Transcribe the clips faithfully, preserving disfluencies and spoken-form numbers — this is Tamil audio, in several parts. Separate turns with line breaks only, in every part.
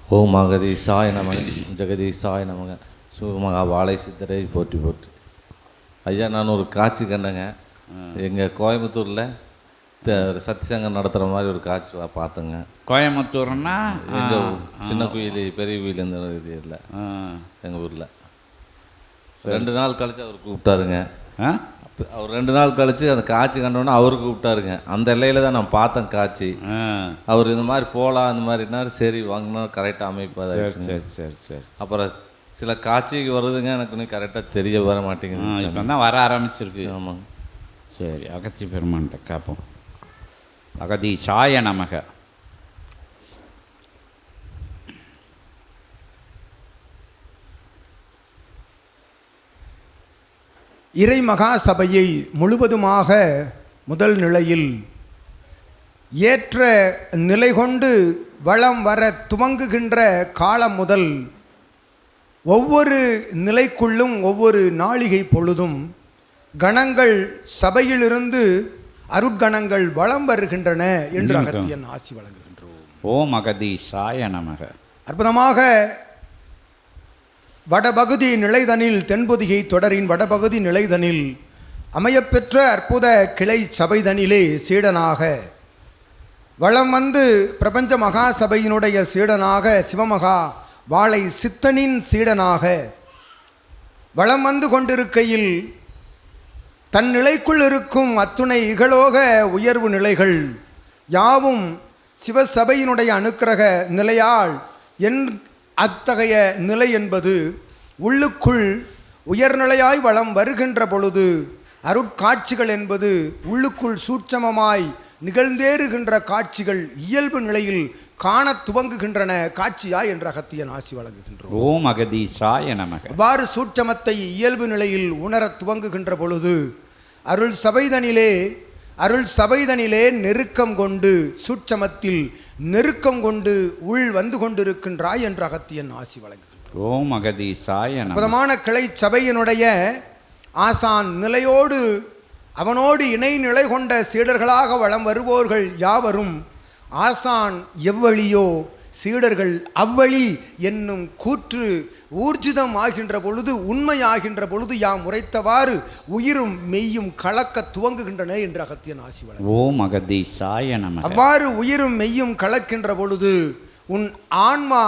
ஓம் அகதீசாய நமக ஜெகதீசாய நமக சூர்மகா வாழை சித்தரை போற்றி போற்றி. ஐயா, நான் ஒரு காட்சி கண்டேங்க. எங்கள் கோயம்புத்தூரில் சத்திசங்கம் நடத்துகிற மாதிரி ஒரு காட்சி பார்த்தேங்க.
கோயம்புத்தூர்னா
எங்கள் சின்ன குயிலி பெரிய குயில் இந்த ஏரியாவில் எங்கள் ஊரில் ரெண்டு நாள் கழித்து அவர் கூப்பிட்டாருங்க. அவர் ரெண்டு நாள் கழித்து அந்த காட்சி கண்டோன்னா அவருக்கு கூப்பிட்டாருங்க. அந்த எல்லையில் தான் நான் பார்த்தேன் காட்சி. அவர் இந்த மாதிரி போகலாம் இந்த மாதிரினா சரி வாங்கினா கரெக்டாக அமைப்பாக.
சரி சரி சரி.
அப்புறம் சில காட்சிக்கு வருதுங்க, எனக்கு இன்னும் கரெக்டாக தெரிய வர மாட்டேங்குது.
இப்போ தான் வர ஆரம்பிச்சிருக்கு.
ஆமாங்க.
சரி, அகத்தி பெருமான்கிட்ட கேட்போம். அகதீசாய நமக.
இறை மகா சபையை முழுவதுமாக முதல் நிலையில் ஏற்ற நிலை கொண்டு வளம் வர துவங்குகின்ற காலம் முதல் ஒவ்வொரு நிலைக்குள்ளும் ஒவ்வொரு நாளிகை பொழுதும் கணங்கள் சபையிலிருந்து அருட்கணங்கள் வளம் வருகின்றன என்று அகத்தியன் ஆசி வழங்குகின்றோம்.
ஓம் அகதீசாய நமக.
அற்புதமாக வடபகுதி நிலைதனில் தென்பொதிகை தொடரின் வடபகுதி நிலைதனில் அமையப்பெற்ற அற்புத கிளை சபைதனிலே சீடனாக வளம் வந்து பிரபஞ்ச மகா சபையினுடைய சீடனாக சிவமகா வாழை சித்தனின் சீடனாக வளம் வந்து கொண்டிருக்கையில் தன் நிலைக்குள் இருக்கும் அத்துணை இகலோக உயர்வு நிலைகள் யாவும் சிவசபையினுடைய அனுக்கிரக நிலையால் என் அத்தகைய நிலை என்பது உள்ளுக்குள் உயர்நிலையாய் வளம் வருகின்ற பொழுது அருட்காட்சிகள் என்பது உள்ளுக்குள் சூட்சமமாய் நிகழ்ந்தேறுகின்ற காட்சிகள் இயல்பு நிலையில் காண துவங்குகின்றன காட்சியா என்ற அகத்தியன் ஆசி வழங்குகின்றோம்.
ஓம் அகதீசாய நமக.
அவ்வாறு சூட்சமத்தை இயல்பு நிலையில் உணர துவங்குகின்ற பொழுது அருள் சபைதனிலே அருள் சபைதனிலே நெருக்கம் கொண்டு சூட்சமத்தில் நெருக்கம் கொண்டு உள் வந்து கொண்டிருக்கின்றாய் என்ற அகத்தியன் ஆசி வழங்குகின்றோம்.
ஓம் அகதீசாய நமக.
அற்புதமான கிளை சபையினுடைய ஆசான் நிலையோடு அவனோடு இணை நிலை கொண்ட சீடர்களாக வளம் வருவோர்கள் யாவரும் ஆசான் எவ்வழியோ சீடர்கள் அவ்வழி என்னும் கூற்று ஊர்ஜிதம் ஆகின்ற பொழுது உண்மையாகின்ற பொழுது யாம் உரைத்தவாறு உயிரும் மெய்யும் கலக்க துவங்குகின்றன என்று அகத்தியன் ஆசி வழங்கும்.
ஓம் அகதீசாய நமக.
அவ்வாறு உயிரும் மெய்யும் கலக்கின்ற பொழுது உன் ஆன்மா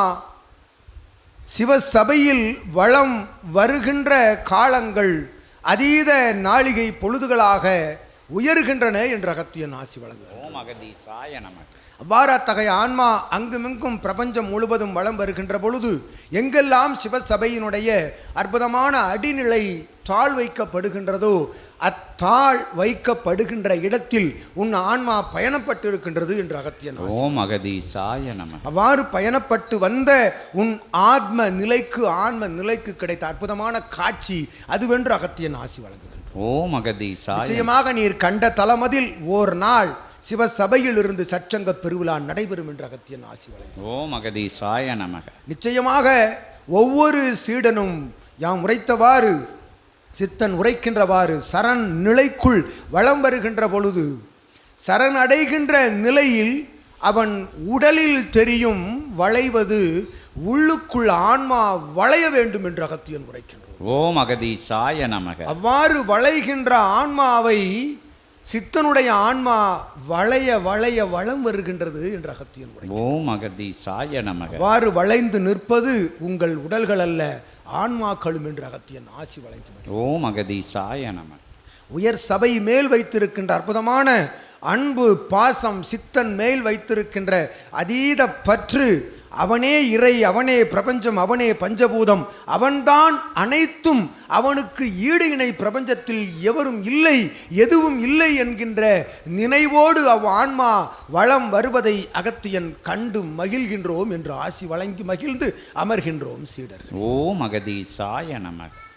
சிவசபையில் வளம் வருகின்ற காலங்கள் அதீத நாளிகை பொழுதுகளாக உயர்கின்றன என்று அகத்தியன் ஆசி வழங்கும்.
ஓம் அகதீசாய நமக.
அவ்வாறு அத்தகைய ஆன்மா அங்குமிங்கும் பிரபஞ்சம் முழுவதும் வளம் வருகின்ற பொழுது எங்கெல்லாம் சிவசபையினுடைய அற்புதமான அடிநிலை தாழ் வைக்கப்படுகின்றதோ அத்தாழ் வைக்கப்படுகின்ற இடத்தில் உன் ஆன்மா பயணப்பட்டிருக்கின்றது என்று அகத்தியன்.
ஓம் அகதீசாய நமக.
அவ்வாறு பயணப்பட்டு வந்த உன் ஆத்ம நிலைக்கு ஆன்ம நிலைக்கு கிடைத்த அற்புதமான காட்சி அதுவென்று அகத்தியன் ஆசி வழங்குகின்றோம்.
ஓம் அகதீசாய.
நிச்சயமாக நீர் கண்ட தலமதில் ஓர் நாள் சிவசபையில் இருந்து சச்சங்க பெருவிழா நடைபெறும் என்று அகத்தியன் ஆசி வழங்கும்.
ஓம் அகதீசாய நமக.
நிச்சயமாக ஒவ்வொரு சீடனும் யாம் உரைத்தவாறு சித்தன் உரைக்கின்றவாறு சரண் நிலைக்குள் வளம் வருகின்ற பொழுது சரண் அடைகின்ற நிலையில் அவன் உடலில் தெரியும் வளைவது உள்ளுக்குள் ஆன்மா வளைய வேண்டும் என்று அகத்தியன் உரைக்கின்றான்.
ஓம் அகதீசாய நமக.
அவ்வாறு வளைகின்ற ஆன்மாவை சித்தனுடைய ஆன்மா வளைய வளைய வளம் வருகின்றது என்று அகத்தியன் உரைக்கின்றான்.
ஓம் அகதீசாய நமக.
அவ்வாறு வளைந்து நிற்பது உங்கள் உடல்கள் அல்ல ஆன்மாக்களும் என்று அகத்தியன் ஆசி வழங்கினார்.
ஓம் அகதீசாய நமக.
உயர் சபை மேல் வைத்திருக்கின்ற அற்புதமான அன்பு பாசம் சித்தன் மேல் வைத்திருக்கின்ற அதீத பற்று அவனே இறை அவனே பிரபஞ்சம் அவனே பஞ்சபூதம் அவன்தான் அனைத்தும் அவனுக்கு ஈடு இணை பிரபஞ்சத்தில் எவரும் இல்லை எதுவும் இல்லை என்கின்ற நினைவோடு அவ் ஆன்மா வளம் வருவதை அகத்தியன் கண்டு மகிழ்கின்றோம் என்று ஆசி வழங்கி மகிழ்ந்து அமர்கின்றோம் சீடர்.
ஓம் அகதீசாய நமக.